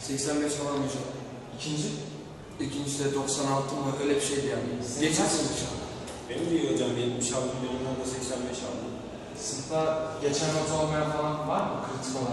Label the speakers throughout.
Speaker 1: 85 falan hocam.
Speaker 2: İkinci?
Speaker 1: İkincisi de 96 mı öyle bir şeydi yani. Geçersin inşallah.
Speaker 3: Benim de iyi hocam 70 aldım, benimden de 85 aldım.
Speaker 2: Sınıfta geçen not olmayan falan var mı? Kritik olan.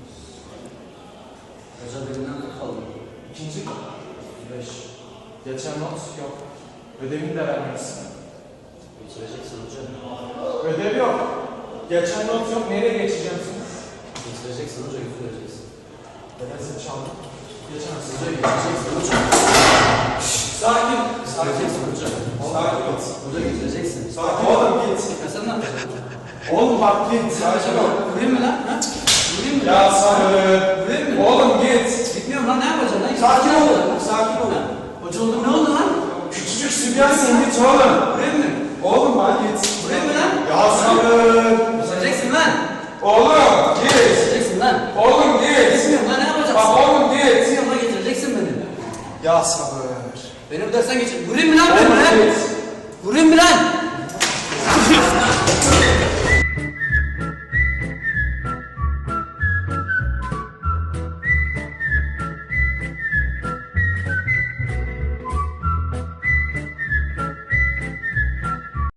Speaker 4: Hocam benimden 40 aldım.
Speaker 2: İkinci? 5. Geçen not yok. Ödevini de vermemişsin.
Speaker 4: Bitireceksin hocam.
Speaker 2: Ödev yok. Geçen not yok. Nereye geçeceksiniz?
Speaker 4: Bitireceksin hocam, bitireceksin.
Speaker 2: Neden çaldım? Geçemezsin.
Speaker 4: Hocam bitireceksin hocam.
Speaker 2: Sakin.
Speaker 4: Bitireceksin hocam.
Speaker 2: Sakin ol.
Speaker 4: Hocam bitireceksin.
Speaker 2: Sakin. Oğlum git.
Speaker 4: Ya sen ne yapacaksın?
Speaker 2: Oğlum bak git. Sakin ol.
Speaker 4: Vurayım mı lan? Ha? Vurayım mı?
Speaker 2: Ya sabır.
Speaker 4: Vurayım mı?
Speaker 2: Oğlum git.
Speaker 4: Gitmiyorum lan, ne yapacaksın lan?
Speaker 2: Sakin ol.
Speaker 4: Sakin ol. Hoca oldum, ne oldu lan?
Speaker 2: Küçücük sübyansın git oğlum.
Speaker 4: Vurayım mı?
Speaker 2: Oğlum bak git.
Speaker 4: Vurayım mı lan?
Speaker 2: Ya sabır.
Speaker 4: Bitireceksin lan.
Speaker 2: Oğlum git.
Speaker 4: Bitireceksin lan.
Speaker 2: Oğlum git.
Speaker 4: Gitmiyorum lan, ne yapacaksın?
Speaker 2: Bak oğlum git.
Speaker 4: Gitmiyorum lan, getireceksin beni.
Speaker 2: Ya sabır.
Speaker 4: Beni bu dersten geçir. Vurayım mı lan ben?
Speaker 2: Oğlum git.